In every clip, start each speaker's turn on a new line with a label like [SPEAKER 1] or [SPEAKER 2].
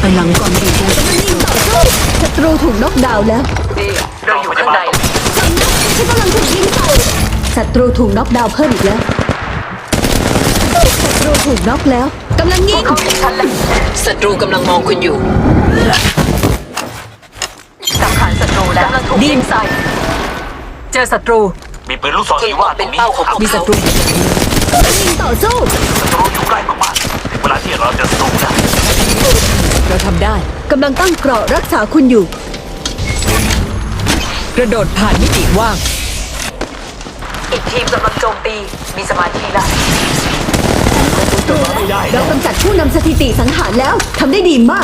[SPEAKER 1] ำลังก่อนดีกูจะไม่ยิงต่อสู้ศัตรูถูกน็อกดาวน์แล้ว
[SPEAKER 2] ดีเราอยู่ข้างใน
[SPEAKER 1] ฉันกำลังถูกยิงใส่ศัตรูถูกน็อกดาวน์เพิ่มอีกแล้วศัตรูถูกน็อกแล้วกำลังยิง
[SPEAKER 2] เขาเห็นฉันแล้ว
[SPEAKER 3] ศัตรูกำลังมองคุณอยู่
[SPEAKER 2] สังหารศัตรูแล้วกำลังถูกยิงใส่เจอศัตรู
[SPEAKER 4] มีปืนลูกซอง
[SPEAKER 3] คุณ
[SPEAKER 4] สี
[SPEAKER 3] ต
[SPEAKER 4] ว่าก ตร
[SPEAKER 3] เป็น
[SPEAKER 4] งนี้
[SPEAKER 3] เป้าของพวก
[SPEAKER 2] มีศั
[SPEAKER 3] เขา
[SPEAKER 2] ตรู
[SPEAKER 1] กำลังยิงต่อสู้
[SPEAKER 4] ศัตรูอยู่ใกล้มากๆถึงเวลาที่เราจะสู้นะ
[SPEAKER 2] เราทำได้
[SPEAKER 1] กำลังตั้งเกราะรักษาคุณอยู่
[SPEAKER 2] กระโดดผ่านมิติว่าง อีกทีมกำลังโจมตีมีสมาธิแล้ว
[SPEAKER 4] ไม่ได้
[SPEAKER 1] เรากำจัดผู้นำสถิติสังหารแล้วทำได้ดีมาก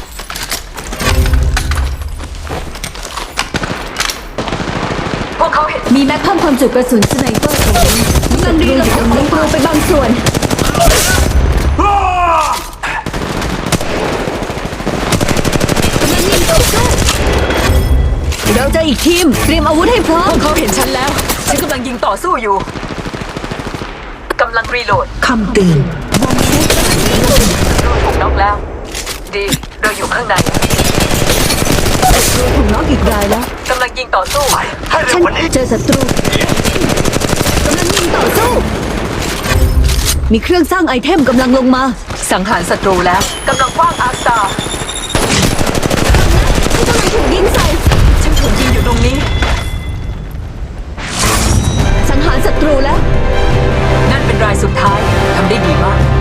[SPEAKER 2] พวกเขาเห็น
[SPEAKER 1] มีแม็กเพิ่มความจุกระสุนสไนเปอร์ตรงนี้กำลังรีโหลดของศัตรูไปบางส่วนกำลังยิงต่อสู้เราเจออีกทีมเตรียมอาวุธให้พร้อ
[SPEAKER 2] พ
[SPEAKER 1] ม
[SPEAKER 2] วกเขาเห็นฉันแล้ว ฉันกำลังยิงต่อสู้อยู่กำลังรีโหลด
[SPEAKER 3] คำเตือน
[SPEAKER 2] ดูถูกน็อกแล้ว ดีเราอยู่ข้างใน
[SPEAKER 1] ศัตรูถูกน็อกอีกรายแล้ว
[SPEAKER 2] กำลังยิงต่อสู้
[SPEAKER 4] ให้เร็
[SPEAKER 1] ฉั
[SPEAKER 4] วน กว่านี้
[SPEAKER 1] เจอศัตรูกำลังยิงต่อสู้ มีเครื่องสร้างไอเทมกำลังลงมา
[SPEAKER 2] สังหารศัตรูแล้วกำลังคว้างอาร์สตาร์
[SPEAKER 1] ฉันกำลังถูกยิงใส่
[SPEAKER 2] ฉันถูกยิงอยู่ตรงนี้
[SPEAKER 1] สังหารศัตรูแล้ว
[SPEAKER 2] นั่นเป็นรายสุดท้ายทำได้ดีมาก